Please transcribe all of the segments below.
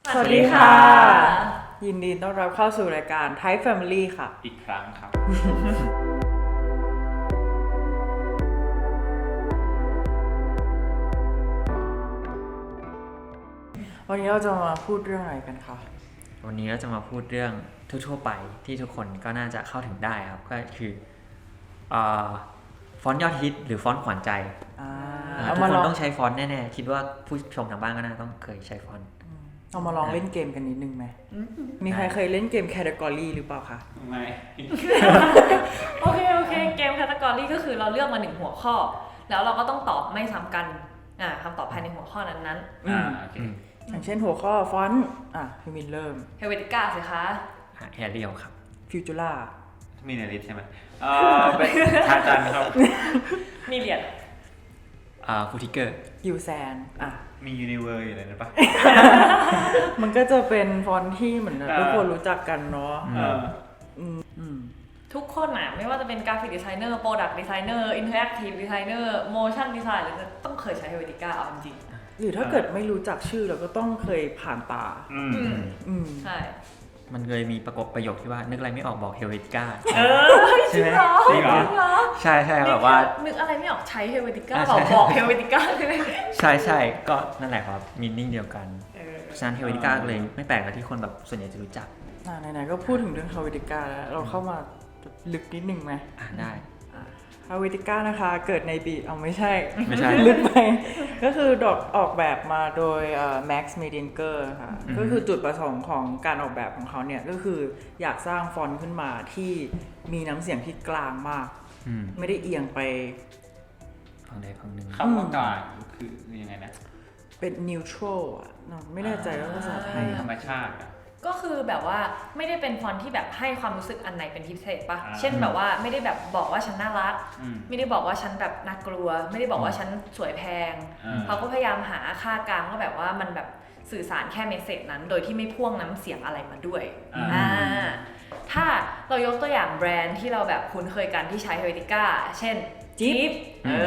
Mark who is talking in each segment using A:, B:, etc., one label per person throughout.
A: สวัสดีค่ะยินดีต้อนรับเข้าสู่รายการ Thai Family ค่ะ
B: อีกครั้งครับ
A: วันนี้เราจะมาพูดเรื่องอะไรกันคะ
C: วันนี้เราจะมาพูดเรื่องทั่วๆไปที่ทุกคนก็น่าจะเข้าถึงได้ครับก็คือฟอนต์ยอดฮิตหรือฟอนต์ขวัญใจทุกคนต้องใช้ฟอนต์แน่ๆคิดว่าผู้ชมทางบ้านก็น่าต้องเคยใช้ฟอนต์
A: เอามาลองเล่นเกมกันนิดนึงไหมมีใครเคยเล่นเกม Category หรือเปล่าคะ
B: ไม่
D: โอเคเกม Category ก็คือเราเลือกมา1หัวข้อแล้วเราก็ต้องตอบไม่ซ้ำกันคำตอบภายในหัวข้อนั้น
B: โอเค
A: อย่างเช่นหัวข้อฟอนต์พี่มินเริ่ม
D: Helvetica สิคะ
C: แอเรียลครับ
A: Futura
B: มีในลิสต์ใช่ไหมเป็นทาจันครับ
D: มีเหรียญ
C: ฟูทิเกอร์
A: ยูแซน
B: มียูนิเวอร์อยู่เลยนะปะ
A: มันก็จะเป็นฟอนต์ที่เหมือนทุกคนรู้จักกันเนาะ
D: ทุกคนไม่ว่าจะเป็นกราฟิกดีไซเนอร์โปรดักต์ดีไซเนอร์อินเทอร์แอคทีฟดีไซเนอร์โมชั่นดีไซน์หรือต้องเคยใช้ Helvetica เอาจริง
A: หรือถ้าเกิดไม่รู้จักชื่อเราก็ต้องเคยผ่านตา
D: ใช่
C: มันเคยมีประโยคที่ว่านึกอะไรไม่ออกบอกเฮลเวติก้า
D: ใช่ไหม
C: จริงเหรอใช่แบบว่า
D: นึกอะไรไม่ออกใช้ Helvetica บอก Helvetica
C: ใช่ก็นั่นแหละครับมีนิ่งเดียวกันฉะนั้นเฮลเวติก้าเลยไม่แปลกที่คนแบบส่วนใหญ่จะรู้จัก
A: ไหนๆก็พูดถึงเรื่อง Helvetica แล้วเราเข้ามาลึกนิดนึงไหม
C: ได้
A: Helvetica นะคะเกิดในปีไม่ใช่ลึกไปก็คือออกแบบมาโดยMax Medinger ค่ะก็คือจุดประสงค์ของการออกแบบของเขาเนี่ยก็คืออยากสร้างฟอนต์ขึ้นมาที่มีน้ำเสียงที่กลางมากไม่ได้เอียงไป
C: ฝั่งใดฝั่งหนึ่ง
B: คำว่ากลางคือยังไงนะ
A: เป็น neutral ไม่แน่ใจว่าภาษาไทย
B: ธรรมชาติ
D: ก็คือแบบว่าไม่ได้เป็นฟอนต์ที่แบบให้ความรู้สึกอันไหนเป็นพิเศษปะเช่นแบบว่าไม่ได้แบบบอกว่าฉันน่ารักไม่ได้บอกว่าฉันแบบน่ากลัวไม่ได้บอกว่าฉันสวยแพงเขาก็พยายามหาค่ากลางว่าแบบว่ามันแบบสื่อสารแค่เมสเสจนั้นโดยที่ไม่พ่วงน้ำเสียงอะไรมาด้วยถ้าเรายกตัวอย่างแบรนด์ที่เราแบบคุ้นเคยกันที่ใช้ Helvetica เช่นจิ๊บ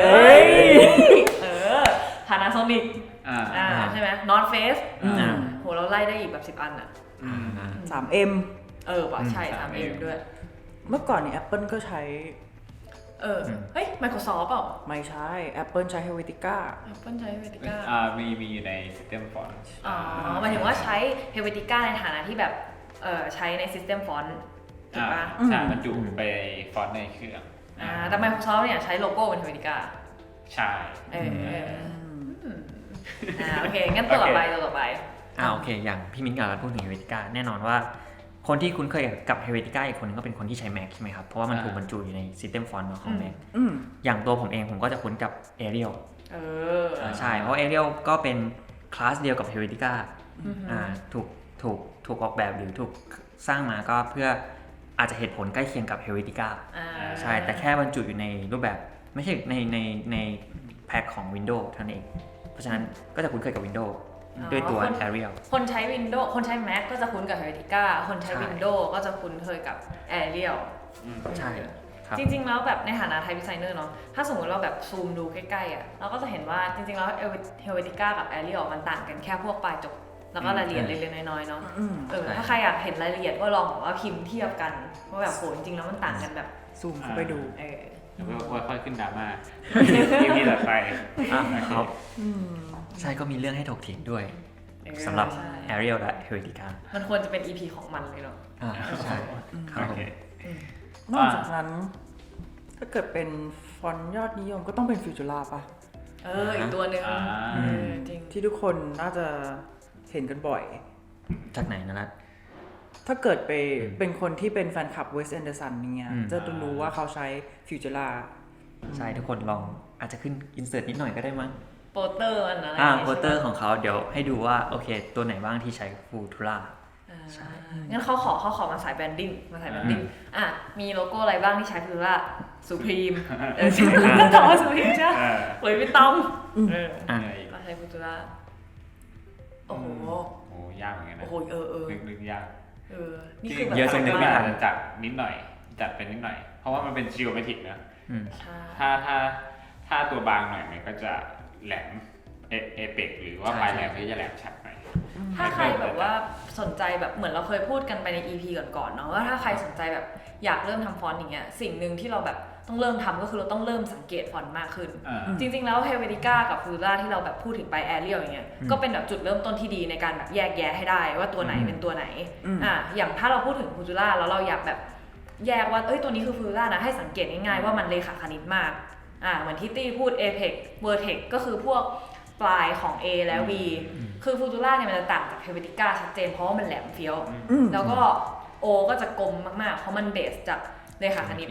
D: Panasonic ใช่ไหม North Face โหเราไล่ได้อีกแบบ10 อัน
A: 3M
D: ว่ะใช่ 3M ด้วย
A: เมื่อก่อนนี่ Apple ก็ใช้
D: เฮ้ย Microsoft เปล่า
A: ไม่ใช่ Apple ใช้ Helvetica
D: Apple ใช้ Helvetica
B: มีอยู่ใน System Font
D: หมายถึงว่าใช้ Helvetica ในฐานะที่แบบใช้ใน System Font ถูกปะ
B: ใช่บรรจุไปฟอนต์ในเครื่อง
D: แต่ Microsoft เนี่ยใช้โลโก้เป็น Helvetica
B: ใช่
D: โอเคงั้นตัวต่อไป
C: โอเคอย่างพี่มิ้นท์กับพูดถึง Helvetica แน่นอนว่าคนที่คุ้นเคยกับ Helvetica อีกคนนึงก็เป็นคนที่ใช้ Mac ใช่ไหมครับเพราะว่ามันถูกบรรจุอยู่ใน System Font ของ Mac อย่างตัวผมเองผมก็จะคุ้นกับ Arial ใช่เพราะ Arial ก็เป็นคลาสเดียวกับ Helvetica ถูกออกแบบหรือถูกสร้างมาก็เพื่ออาจจะเหตุผลใกล้เคียงกับ Helvetica ใช่แต่แค่บรรจุอยู่ในรูปแบบไม่ใช่ในแพ็คของ Windows เท่านั้นเองเพราะฉะนั้นก็จะคุ้นเคยกับ Windows ด้วยตัว Arial
D: คนใช้ Windows คนใช้ Mac ก็จะคุ้นกับ Helvetica คนใช้ Windows ก็จะคุ้นเคยกับ Arial
C: ใช่
D: จริงๆแล้วแบบในฐานะไทป์ดีไซเนอร์เนาะถ้าสมมติเราแบบซูมดูใกล้ๆเราก็จะเห็นว่าจริงๆแล้ว Helvetica กับ Arial มันต่างกันแค่พวกปลายจบแล้วก็รายละเอียดเล็กๆน้อยๆเนาะถ้าใครอยากเห็นรายละเอียดก็ลองว่าพิมพ์เทียบกันว่าแบบโหจริงๆแล้วมันต่างกันแบบ
A: ซูมเข้าไปดู
B: ว่าค่อยขึ้นดราม่าที่ต่อไป
C: ครับใช่ก็มีเรื่องให้ถกเถียงด้วยสำหรับ Arial และ Helvetica
D: มันควรจะเป็น EP ของมันเลยเนาะ
C: ใช่ครับ
A: นอกจากนั้นถ้าเกิดเป็นฟอนต์ยอดนิยมก็ต้องเป็น Futura ป่ะ
D: อีกตัวนึงจริง
A: ที่ทุกคนน่าจะเห็นกันบ่อย
C: จากไหนนะ
A: ถ้าเกิดไปเป็นคนที่เป็นแฟนคลับ Wes Anderson เนี่ยจะรู้ว่าเขาใช้ Futura
C: ใช่ทุกคนลองอาจจะขึ้นอินเสิร์ตนิดหน่อยก็ได้มั้ง
D: โปสเตอร์อะไร
C: โปสเตอร์ของเขาเดี๋ยวให้ดูว่าโอเคตัวไหนบ้างที่ใช้ Futura
D: ใช่งั้นเขาขอมาสายแบรนดิ้งมีโลโก้อะไรบ้างที่ใช้ Futura Supreme ต่อ Supreme ใช่หรือพี่ต้อมก็ใช้ Futura โอ้โห
B: ยากเหมือนกันนะ
D: โอ้โห
B: นึกยาก
D: นี่คือแบบ
C: เยอะจนนึกไม่ทัน
B: จัดนิดหน่อยจัดเป็นนิดหน่อยเพราะว่ามันเป็นจิโอเมตริกนะถ้าตัวบางหน่อยมันก็จะแหลมเอเปกหรือว่าปลายแหลมก็จะแหลมชัดหน่อย
D: ถ้าใครแบบว่าสนใจแบบเหมือนเราเคยพูดกันไปใน EP ก่อนๆเนาะว่าถ้าใครสนใจแบบอยากเริ่มทำฟอนต์อย่างเงี้ยสิ่งหนึ่งที่เราแบบต้องเริ่มทำก็คือเราต้องเริ่มสังเกตฟอนต์มากขึ้นจริงๆแล้ว Helvetica กับ Fujura ที่เราแบบพูดถึงไป Arial อย่างเงี้ยก็เป็นแบบจุดเริ่มต้นที่ดีในการแบบแยกแยะให้ได้ว่าตัวไหนเป็นตัวไหนอย่างถ้าเราพูดถึง Fujura แล้วเราอยากแบบแยกว่าตัวนี้คือ Fujura นะให้สังเกตง่ายๆว่ามันเลขาคณิตมากเหมือนที่ตี้พูด Apex Vertex ก็คือพวกปลายของ A และ V คือ Fujura เนี่ยมันจะต่างจาก Helvetica ชัดเจนเพราะว่ามันแหลมเฟี้ยวแล้วก็ O ก็จะกลมมากๆเพราะมันเบสจากเลขาคณิต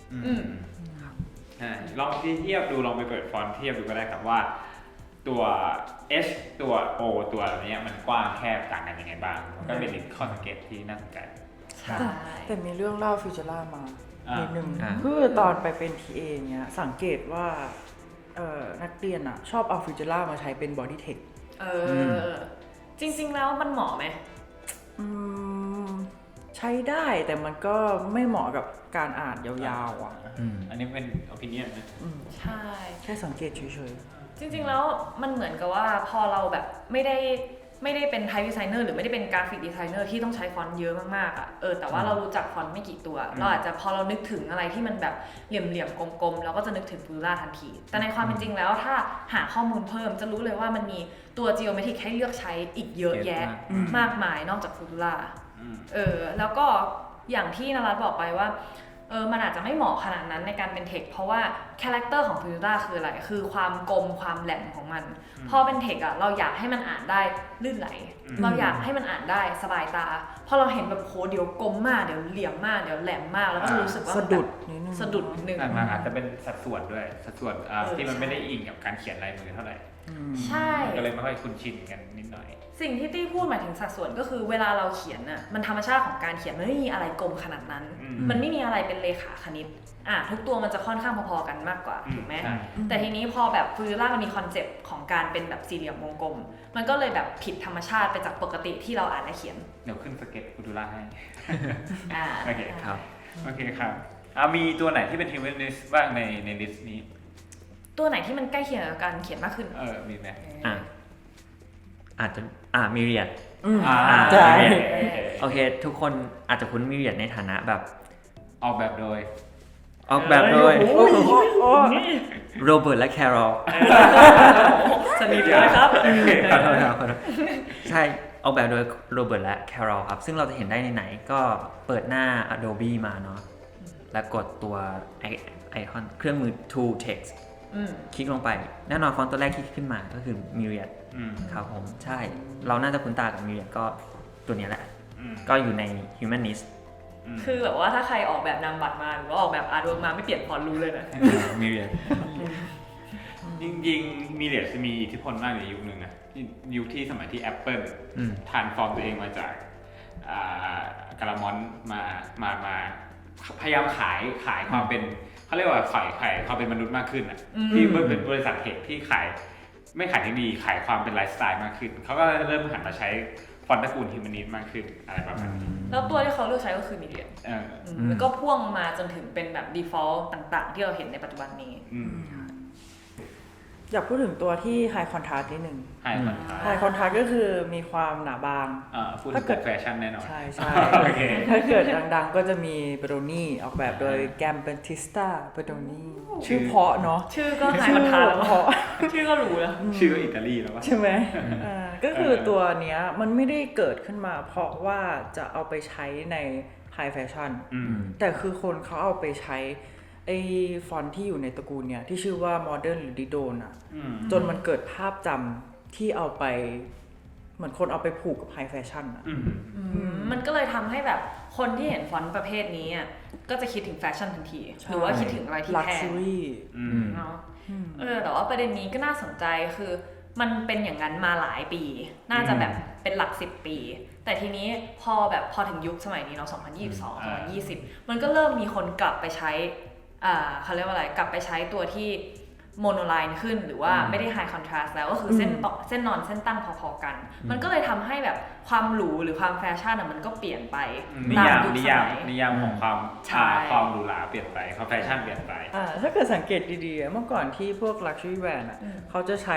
B: ลองเทียบดูลองไปเปิดฟอนต์เทียบดูก็ได้ครับว่าตัว H ตัว O ตัวนี้มันกว้างแคบต่างกันยังไงบ้างมันก็เป็นข้อสังเกตที่น่าสนใจ
A: แต่มีเรื่องเล่าฟิวเจอร่ามานิดนึงคือตอนไปเป็น TA เงี้ยสังเกตว่านักเรียนอ่ะชอบเอาฟิวเจอร่ามาใช้เป็นบอดี้เทค
D: จริงๆแล้วมันเหมาะไหม
A: ใช้ได้แต่มันก็ไม่เหมาะกับการอ่านยาวๆอ่ะ
B: อันนี้เป็น opinion นะ
D: ใช่
A: แค่สังเกตเฉย
D: ๆจริงๆแล้วมันเหมือนกับว่าพอเราแบบไม่ได้เป็นไทป์ดีไซเนอร์หรือไม่ได้เป็นกราฟิกดีไซเนอร์ที่ต้องใช้ฟอนต์เยอะมากๆอ่ะแต่ว่าเรารู้จักฟอนต์ไม่กี่ตัวเราอาจจะพอเรานึกถึงอะไรที่มันแบบเหลี่ยมๆกลมๆเราก็จะนึกถึง Fujura ทันทีแต่ในความเป็นจริงแล้วถ้าหาข้อมูลเพิ่มจะรู้เลยว่ามันมีตัว geometric ให้เลือกใช้อีกเยอะแยะมากมายนอกจาก Fujuraแล้วก็อย่างที่นรัตน์บอกไปว่ามันอาจจะไม่เหมาะขนาดนั้นในการเป็นเทคเพราะว่าคาแรคเตอร์ของ Fujura คืออะไรคือความกลมความแหลมของมันพอเป็นเทคอะเราอยากให้มันอ่านได้ลื่นไหลเราอยากให้มันอ่านได้สบายตาพอเราเห็นแบบโหเดี๋ยวกลมมากเดี๋ยวเหลี่ยมมากเดี๋ยวแหลมมากแล้วก็รู้สึกว่า
A: สะดุด
D: นึง
B: มันอาจจะเป็นสัดส่วนด้วยสัดส่วนที่มันไม่ได้อิงกับการเขียนลายมือเท่าไหร่
D: ใช่
B: ก็เลยไม่ค่อยคุ้นชินกันนิดหน่อย
D: สิ่งที่ตี้พูดหมายถึงสัดส่วนก็คือเวลาเราเขียนน่ะมันธรรมชาติของการเขียนมันไม่มีอะไรกลมขนาดนั้นมันไม่มีอะไรเป็นเลขาคณิตทุกตัวมันจะค่อนข้างพอๆกันมากกว่าถูกไหมแต่ทีนี้พอแบบฟูจิร่ามันมีคอนเซปต์ของการเป็นแบบสี่เหลี่ยมวงกลมมันก็เลยแบบผิดธรรมชาติไปจากปกติที่เราอ่านและเขียน
B: เดี๋ยวขึ้นสเก็ตฟูจิร่าให้
D: โอเค
B: ครับโอเคครับมีตัวไหนที่เป็น humanist บ้างในลิสต์นี้
D: ตัวไหนที่มันใกล้เคียงกับการเขียนมากขึ้น
B: มีไหม
C: อาจจะมิเรียด
A: ใช่
C: โอเคทุกคนอาจจะคุ้นมิเรียดในฐานะแบบ
B: ออกแบบโดย
C: โรเบิร์ตและแคโรล
D: สนิทเลยครับ
C: ขอโทษใช่ออกแบบโดยโรเบิร์ตและแคโรลครับซึ่งเราจะเห็นได้ในไหนก็เปิดหน้า Adobe มาเนาะแล้วกดตัวไอคอนเครื่องมือ Tool Text คลิกลงไปแน่นอนฟอนต์ตัวแรกที่ขึ้นมาก็คือ Myriad ครับผมใช่เราน่าจะคุ้นตากับ Myriad ก็ตัวนี้แหละก็อยู่ใน Humanist
D: คือแบบว่าถ้าใครออกแบบนามบัตรมาหรือว่าออกแบบอาร์ตเวิร์กมาไม่เปลี่ยนฟอนต์รู้เลยนะ
C: Myriad
B: จริงๆMyriadจะมีอิทธิพลมากในยุคนึงนะยุคที่สมัยที่ Apple ทรานส์ฟอร์มตัวเองมาจากกาลามอนมาพยายามขายความเป็นเขาเรียกว่าขายความเป็นมนุษย์มากขึ้นอ่ะที่เป็นบริษัทเทคที่ไม่ขายเทคโนโลยีขายความเป็นไลฟ์สไตล์มากขึ้นเขาก็เริ่มหันมาใช้ฟอนต์ตระกูลฮิวแมนิสต์มากขึ้นอะไรประมาณนี้
D: แล้วตัวที่เขาเลือกใช้ก็คือMyriadแล้วก็พ่วงมาจนถึงเป็นแบบ default ต่างๆที่เราเห็นในปัจจุบันนี้
A: อยากพูดถึงตัวที่ High Contrast นิดนึง
B: High
A: Contrast ก็คือมีความหนาบาง
B: ถ้าเกิดแฟชั่นแน่นอน
A: ใช่ถ้าเกิดดังๆก็จะมีเบโรนี่ออกแบบโดยแกมเบนติสตาเบโรนี่ชื่อเพาะเนาะ
D: ชื่อก็ High Contrast แล้วเพาะชื่อก็รู้แล้ว
B: ชื่อก็อิตาลีแล้ว
A: ใช่ไหมก็คือตัวเนี้ยมันไม่ได้เกิดขึ้นมาเพราะว่าจะเอาไปใช้ใน High Fashion แต่คือคนเขาเอาไปใช้ไอ้ฟอนต์ที่อยู่ในตระกูลเนี่ยที่ชื่อว่า Modern หรือ Didon อ่ะจนมันเกิดภาพจำที่เอาไปเหมือนคนเอาไปผูกกับ High Fashion อ่ะ
D: มันก็เลยทำให้แบบคนที่เห็นฟอนต์ประเภทนี้อ่ะก็จะคิดถึงแฟชั่นทันทีหรือว่าคิดถึงอะไรที่แพงเนาะแต่ว่าประเด็นนี้ก็น่าสนใจคือมันเป็นอย่างนั้นมาหลายปีน่าจะแบบเป็นหลัก10 ปีแต่ทีนี้พอถึงยุคสมัยนี้เนาะ2022 2020มันก็เริ่มมีคนกลับไปใช้เขาเรียกว่าอะไรกลับไปใช้ตัวที่โมโนไลน์ขึ้นหรือว่าไม่ได้ไฮคอนทราสต์แล้วก็คือเส้นต่อเส้นนอนเส้นตั้งพอๆกัน มันก็เลยทำให้แบบความหรูหรือความแฟชั่นมันก็เปลี่ยนไป
B: นิ
D: ตาม
B: ยาม
D: ยุค
B: นิ
D: ส
B: ยาม
D: มัย
B: นิยามของความ
D: ใช่
B: ความหรูหราเปลี่ยนไปความแฟชั่นเปลี่ยนไป
A: ถ้าเกิดสังเกตดีๆเมื่อก่อนที่พวก luxury brand เขาจะใช้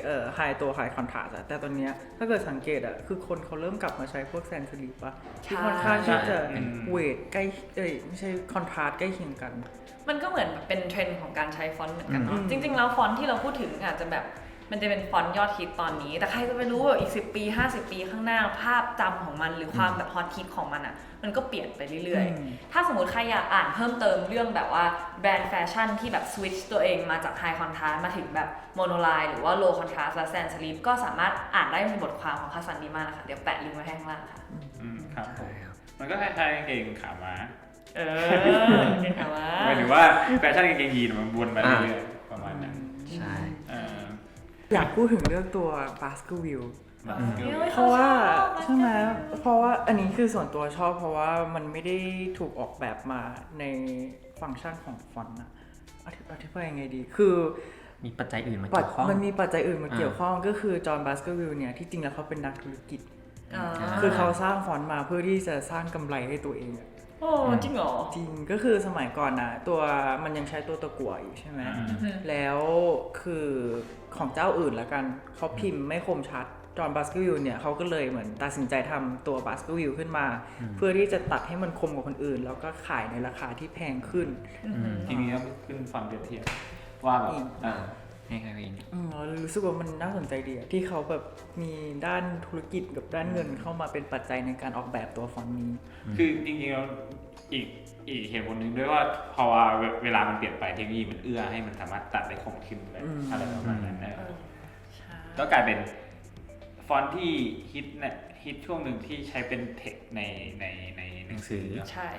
A: high contrast แต่ตอนเนี้ยถ้าเกิดสังเกตคือคนเขาเริ่มกลับมาใช้พวกแซนสลีปป่ะที่ค่อนข้างที่จะเวทใกล้ไม่ใช่คอนทราสต์ใกล้เคียงกัน
D: มันก็เหมือนเป็นเทรนด์ของการใช้ฟอนต์เหมือนกันเนาะ
A: อืม
D: จริงๆแล้วฟอนต์ที่เราพูดถึงอาจจะแบบมันจะเป็นฟอนต์ยอดฮิตตอนนี้ แต่ใครจะไปรู้ว่าอีก10 ปี50 ปีข้างหน้าภาพจำของมันหรือความแบบฮอตฮิตของมันอ่ะมันก็เปลี่ยนไปเรื่อยๆถ้าสมมติใครอยากอ่านเพิ่มเติมเรื่องแบบว่าแบรนด์แฟชั่นที่แบบสวิตช์ตัวเองมาจากไฮคอนทราสต์มาถึงแบบโมโนไลน์หรือว่าโลคอนทราสต์และแซนสลีปก็สามารถอ่านได้ในบทความของคาซันดีมานะคะเดี๋ยวแปะลิงก์ไว้ให้ข้างล่างค่ะ
B: ครับผมมันก็คล้ายๆกางเกงขาม้า
D: เก่งค่ะว่า
B: หมายถึงว่าแฟชั่นกางเกงยีนมันวนมาเรื่อยๆประมาณนั้น
C: ใช่
A: อยากพูดถึงเรื่องตัว Baskerville เพ
D: เพ
A: ราะ
D: ราะ
A: ว่า
D: ว่า
A: ใช่ไหมเพราะว่าอันนี้คือส่วนตัวชอบเพราะว่ามันไม่ได้ถูกออกแบบมาในฟังก์ชันของฟอนต์นะอธิบายยังไงดีคือ
C: มีปัจจัยอื่นมาเกี่ยวข้อง
A: มันมีปัจจัยอื่นมาเกี่ยวข้องก็คือจอห์นบาสเกอร์วิลเนี่ยที่จริงแล้วเขาเป็นนักธุรกิจ
D: อ่า
A: คือเขาสร้างฟอนต์มาเพื่อที่จะสร้างกำไรให้ตัวเองอะ
D: โอ้จริงเหรอ
A: จริงก็คือสมัยก่อนนะตัวมันยังใช้ตัวตะกั่วอยู่ใช่ไหมแล้วคือของเจ้าอื่นละกันเขาพิมพ์ไม่คมชัดจอห์นบาสเกอร์วิลเนี่ยเขาก็เลยเหมือนตัดสินใจทำตัวบาสเกอร์วิลขึ้นมา เพื่อที่จะตัดให้มันคมกว่าคนอื่น แล้วก็ขายในราคาที่แพงขึ้น
B: ทีนี้ต้องขึ้นฟังเปรียบเทียบว่าแบบ
C: ให้ใครเป็น
A: เรารู้สึกว่ามันน่าสนใจดีอะที่เขาแบบมีด้านธุรกิจกับด้านเงินเข้ามาเป็นปัจจัยในการออกแบบตัวฟอนต์นี้
B: คือจริงๆแล้วอีกเหตุผลหนึ่งด้วยว่าพอเวลามันเปลี่ยนไปเทคโนโลยีมันเอื้อให้มันสามารถตัดได้คมขึ้นเลยอะไรประมาณนั้นก็กลายเป็นฟอนต์ที่ฮิตช่วงหนึ่งที่ใช้เป็นเทคในหนังสือ
D: ใช่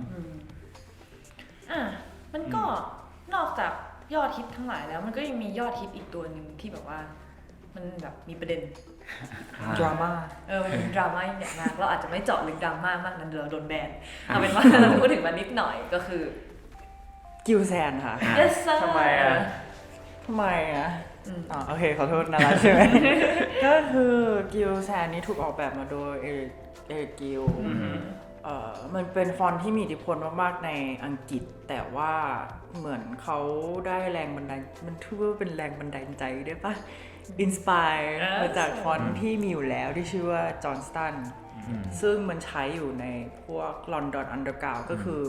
D: มันก็นอกจากยอดฮิตทั้งหลายแล้วมันก็ยังมียอดฮิตอีกตัวหนึ่งที่แบบว่ามันแบบมีประเด็น
A: ดราม่า
D: มันเป็นดราม่าอย่างมากเราอาจจะไม่เจาะลึกดราม่ามากนั้นเดี๋ยวเราโดนแบนเอาเป็นว่าเราพูดถึงมันนิดหน่อยก็คือ
A: กิลแซนค่ะ
D: yes sir
B: ทำไมอะ
A: ทำไมอ่ะโอเคขอโทษนะรักใช่ไหม ก็คือกิลแซนนี้ถูกออกแบบมาโดยเอริกกิลมันเป็นฟอนต์ที่มีอิทธิพลมากๆในอังกฤษ แต่ว่าเหมือนเขาได้แรงบันดาลมันถือว่าเป็นแรงบันดาลใจได้ปะอินสปายมาจากฟอนต์ที่มีอยู่แล้วที่ชื่อว่าจอห์นสตันซึ่งมันใช้อยู่ในพวกลอนดอนอันเดอร์กราวก็คือ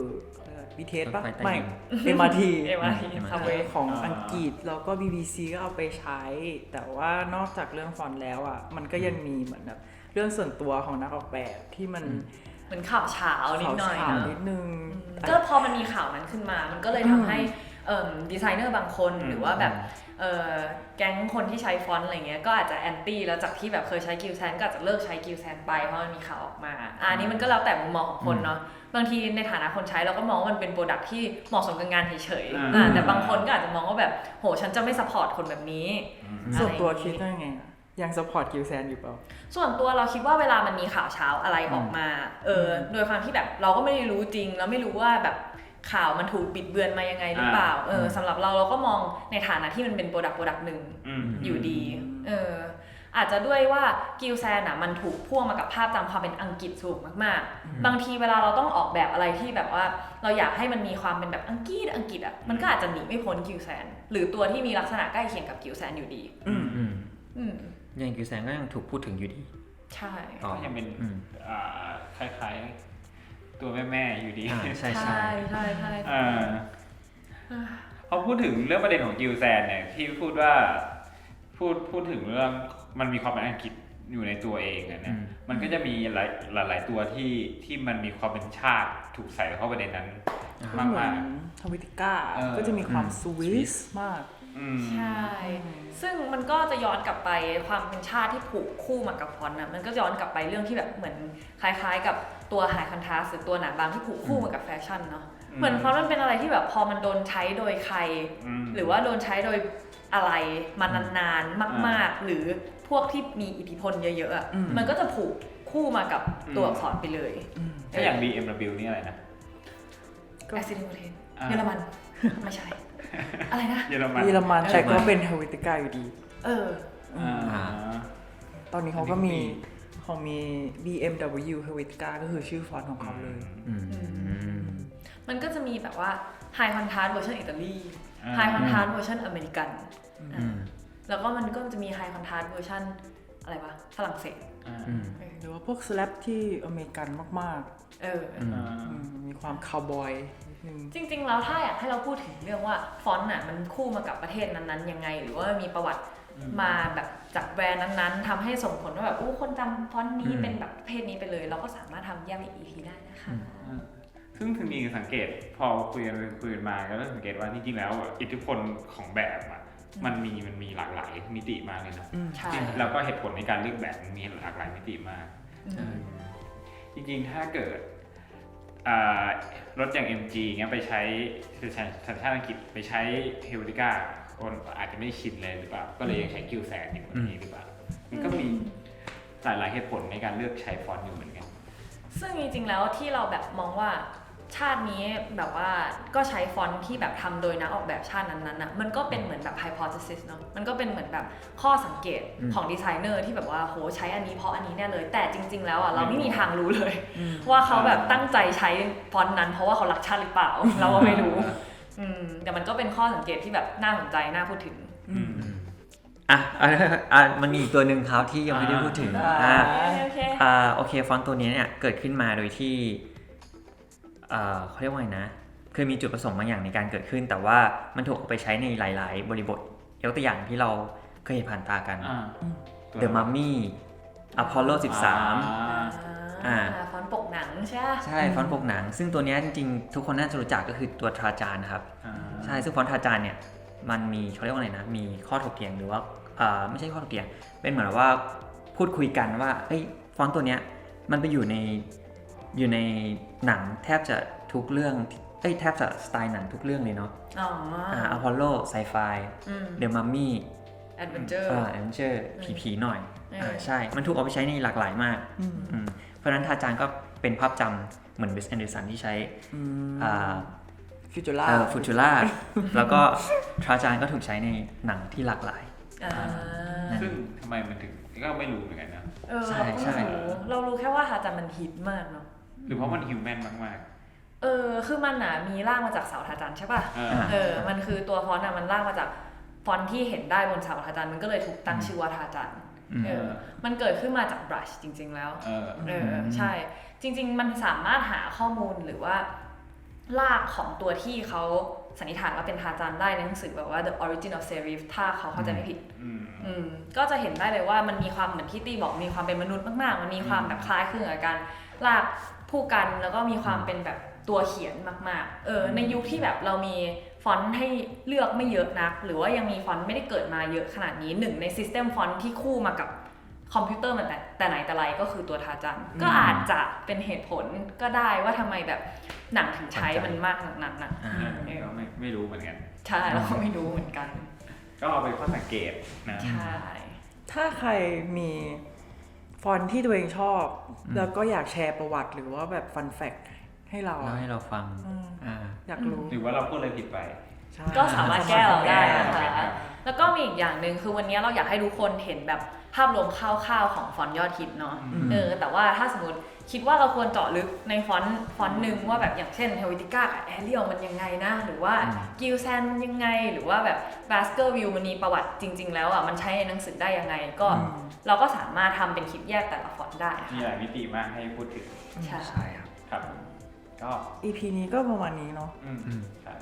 A: BTS ป่ะไม่ MRT ของอังกฤษแล้วก็ BBC ก็เอาไปใช้ แต่ว่านอกจากเรื่องฟอนต์แล้วอ่ะมันก็ยังมีเหมือนแบบเรื่องส่วนตัวของนักออกแบบที่มัน
D: เหมือนข่าวเช้านิดหน่อย
A: ข่าว
D: นะ
A: นิดนึง
D: ก็พอมันมีข่าวนั้นขึ้นมา มันก็เลยทำให้ดีไซเนอร์บางคนหรือว่าแบบแก๊งคนที่ใช้ฟอนต์อะไรเงี้ยก็อาจจะแอนตี้แล้วจากที่แบบเคยใช้กิลแซนก็อาจจะเลิกใช้กิลแซนไปเพราะมันมีข่าวออกมาอันนี้มันก็แล้วแต่มุมมองของคนเนาะบางทีในฐานะคนใช้เราก็มองว่ามันเป็นโปรดักที่เหมาะสมกับงานเฉยๆแต่บางคนก็อาจจะมองว่าแบบโหฉันจะไม่ซัพพอร์ตคนแบบนี้
A: ส่วนตัวคิดว่าไงอะยังซัพพอร์ตกิลแซนอยู่เปล่า
D: ส่วนตัวเราคิดว่าเวลามันมีข่าวเช้าอะไรออกมาโดยความที่แบบเราก็ไม่ได้รู้จริงแล้วไม่รู้ว่าแบบข่าวมันถูกบิดเบือนมายังไงหรือเปล่าสำหรับเราก็มองในฐานะที่มันเป็นโปรดักต์หนึ่งอยู่ดีอาจจะด้วยว่ากิลแซนอ่ะมันถูกพ่วงมากับภาพจำความเป็นอังกฤษสูงมากๆบางทีเวลาเราต้องออกแบบอะไรที่แบบว่าเราอยากให้มันมีความเป็นแบบอังกฤษอ่ะมันก็อาจจะหนีไม่พ้นกิลแซนหรือตัวที่มีลักษณะใกล้เคียงกับกิลแซนอยู่ดี
C: อย่างกิลแซนก็ยังถูกพูดถึงอยู่ดี
D: ใช่
B: ก็ยังเป็นคล้ายๆตัวแม่ๆอยู่ดี
C: ใช่
B: พอพูดถึงเรื่องประเด็นของกิลแซนเนี่ยที่พูดว่าพูดถึงเรื่องมันมีความเป็นอังกฤษอยู่ในตัวเองนะมันก็จะมีหลายตัวที่มันมีความเป็นชาติถูกใส่เข้าไปในนั้นมาก
A: ๆทวิติก้าก็จะมีความสวิสมาก
D: ใช่ซึ่งมันก็จะย้อนกลับไปความเป็นชาติที่ผูกคู่มากับฟอนต์นะมันก็ย้อนกลับไปเรื่องที่แบบเหมือนคล้ายๆกับตัวไฮคอนทราสต์หรือตัวหนาบางที่ผูกคู่มากับแฟชั่นเนาะเหมือนฟอนต์มันเป็นอะไรที่แบบพอมันโดนใช้โดยใครหรือว่าโดนใช้โดยอะไรมานานๆมากๆหรือพวกที่มีอิทธิพลเยอะๆอ่ะมันก็จะผูกคู่มากับตัวอักษรไปเลย
B: ถ้าอย่าง BMW นี่อะไรนะ
D: แอสซิเดนต์เยอรมันไม่ใช่อะไรนะ
B: เยอรมัน
A: เยอรมันแต่ก็เป็น Helvetica อยู่ดี
B: อ่า
A: ตอนนี้เขาก็มีมี BMW Helvetica ก็คือชื่อฟอนต์ของเขาเลย
D: มันก็จะมีแบบว่า High Contrast เวอร์ชันอิตาลี High Contrast เวอร์ชันอเมริกันแล้วก็มันก็จะมี High Contrast เวอร์ชันอะไรวะฝรั่งเศส
A: หรือว่าพวกสแลปที่อเมริกันมากๆมีความคาวบอยนิดนึง
D: จริงๆแล้วถ้าอยากให้เราพูดถึงเรื่องว่าฟอนต์น่ะมันคู่มากับประเทศนั้นๆยังไงหรือว่ามีประวัติมาแบบจากแบรนด์นั้นๆทำให้ส่งผลว่าแบบคนจำฟอนต์นี้เป็นแบบประเภทนี้ไปเลย เราก็สามารถทำแยกเป็น EP ได้นะคะ
B: ซึ่งถึงมีสังเกตพอคุยกันมาก็เริ่มสังเกตว่าจริงๆแล้วอิทธิพลของแบบอ่ะมันมีหลากหลายมิติมากเลยนะ
D: ใช่
B: แล้วก็เหตุผลในการเลือกแบบมีหลากหลายมิติมากจริงๆถ้าเกิดรถอย่าง MG เงี้ยไปใช้สัญชาติอังกฤษไปใช้ Helvetica คนอาจจะไม่ชินเลยหรือเปล่าก็เลยยังใช้กิลแซนอยู่แบบนี้หรือเปล่ามันก็มีหลายเหตุผลในการเลือกใช้ฟอนต์อยู่เหมือนกัน
D: ซึ่งจริงๆแล้วที่เราแบบมองว่าชาตินี้แบบว่าก็ใช้ฟอนต์ที่แบบทำโดยนักออกแบบชาตินั้นๆน่ะมันก็เป็นเหมือนแบบ hypothesis เนาะมันก็เป็นเหมือนแบบข้อสังเกตของดีไซเนอร์ที่แบบว่าโหใช้อันนี้เพราะอันนี้แน่เลยแต่จริงๆแล้วอ่ะเราไม่มีทางรู้เลยว่าเขาแบบตั้งใจใช้ฟอนต์นั้นเพราะว่าเขารักชาติหรือเปล่าเราก็ไม่รู้แต่มันก็เป็นข้อสังเกตที่แบบน่าสนใจน่าพูดถึง
C: มันมีอีกตัวหนึ่งครับที่ยังไม่ได้พูดถึงโอเคฟอนต์ตัวนี้เนี่ยเกิดขึ้นมาโดยที่เขาเรียกว่าไงนะคือมีจุดประสงค์บางอย่างในการเกิดขึ้นแต่ว่ามันถูกเอาไปใช้ในหลายๆบริบทยกตัวอย่างที่เราเคยเห็นผ่านตากัน The Mummy Apollo 13
D: ฟอนต์ปกหนังใช่
C: ใช่ฟอนต์ปกหนังซึ่งตัวนี้จริงๆทุกคนน่าจะรู้จักก็คือตัวทราจานครับใช่ซึ่งฟอนต์ทราจานเนี่ยมันมีเขาเรียกว่าไงนะมีข้อถกเถียงหรือว่าไม่ใช่ข้อถกเถียงเป็นเหมือนว่าพูดคุยกันว่าฟอนต์ตัวเนี้ยมันไปอยู่ในหนังแทบจะทุกเรื่องแทบจะสไตล์หนังทุกเรื่องเลยเนาะอพอลโลไซไฟเดอะมัมมี่
D: แอดเวนเจอ
C: ร์ผีหน่อยใช่มันถูกเอาไปใช้ในหลากหลายมากเพราะฉะนั้นทาจานก็เป็นภาพจำเหมือนเวสแอนเดอร์สันที่ใช้
A: ฟูจู
C: ล่าแล้วก็ทราจานก็ถูกใช้ในหนังที่หลากหลาย
B: ซึ่งทำไมมันถึงก็ไม่รู้เหมือนกันนะ
C: ใช่
D: เรารู้แค่ว่าทาจานมันฮิตมากเนาะ
B: หรือเพราะมันฮิวแมนมาก
D: คือมันมีร่างมาจากเสาทาจานใช่ป่ะมันคือตัวฟอนต์มันร่างมาจากฟอนต์ที่เห็นได้บนเสาทาจานมันก็เลยถูกตั้งชื่อว่าทาจานมันเกิดขึ้นมาจากบรัชจริงๆแล้วใช่จริงๆมันสามารถหาข้อมูลหรือว่ารากของตัวที่เขาสันนิษฐานว่าเป็นทาจานได้ในหนังสือแบบว่า The Origin of Serif ถ้าเขาเข้าใจไม่ผิดก็จะเห็นได้เลยว่ามันมีความเหมือนที่ตี้บอกมีความเป็นมนุษย์มากๆมันมีความแบบคล้ายคลึงกับการลากผู้กันแล้วก็มีความเป็นแบบตัวเขียนมากๆในยุคที่แบบเรามีฟอนต์ให้เลือกไม่เยอะนักหรือว่ายังมีฟอนต์ไม่ได้เกิดมาเยอะขนาดนี้หนึ่งในซิสเต็มฟอนต์ที่คู่มากับคอมพิวเตอร์มันแต่ไหนแต่ไรก็คือตัวทาจันก็อาจจะเป็นเหตุผลก็ได้ว่าทำไมแบบหนังถึงใช้มันมากขนาดนั้นนะ
B: ก็ไม่รู้เหมือนกัน
D: ใช่เราก็ไม่รู้เหมือนกัน
B: ก็เอาไปข้อสังเกตนะ
D: ใช่
A: ถ้าใครมีฟอนต์ที่ตัวเองชอบแล้วก็อยากแชร์ประวัติหรือว่าแบบฟันแฟกต์ให้เรา
C: ฟัง
A: อยากรู้
B: หรือว่าเราพูดอะไรผิดไป
D: ก็สามารถแก้เราได้นะคะแล้วก็มีอีกอย่างหนึ่งคือวันนี้เราอยากให้ทุกคนเห็นแบบภาพรวมคร่าวๆของฟอนต์ยอดฮิตเนาะแต่ว่าถ้าสมมติคิดว่าเราควรเจาะลึกในฟอนต์หนึ่งว่าแบบอย่างเช่น Helvetica กับ Arial มันยังไงนะหรือว่า Gilsan มันยังไงหรือว่าแบบ Baskerville มันมีประวัติจริงๆแล้วมันใช้ในหนังสือได้ยังไงก็เราก็สามารถทำเป็นคลิปแยกแต่ละฟอนต์ได้
B: มีหลายมิติมากให้พูดถึง
C: ใช่
B: ครับก็
A: EP นี้ก็ประมาณนี้เนาะ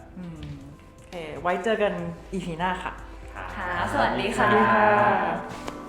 A: โอเคไว้เจอกัน EP หน้าค่ะ
D: ค่ะสวัสดีค่ะ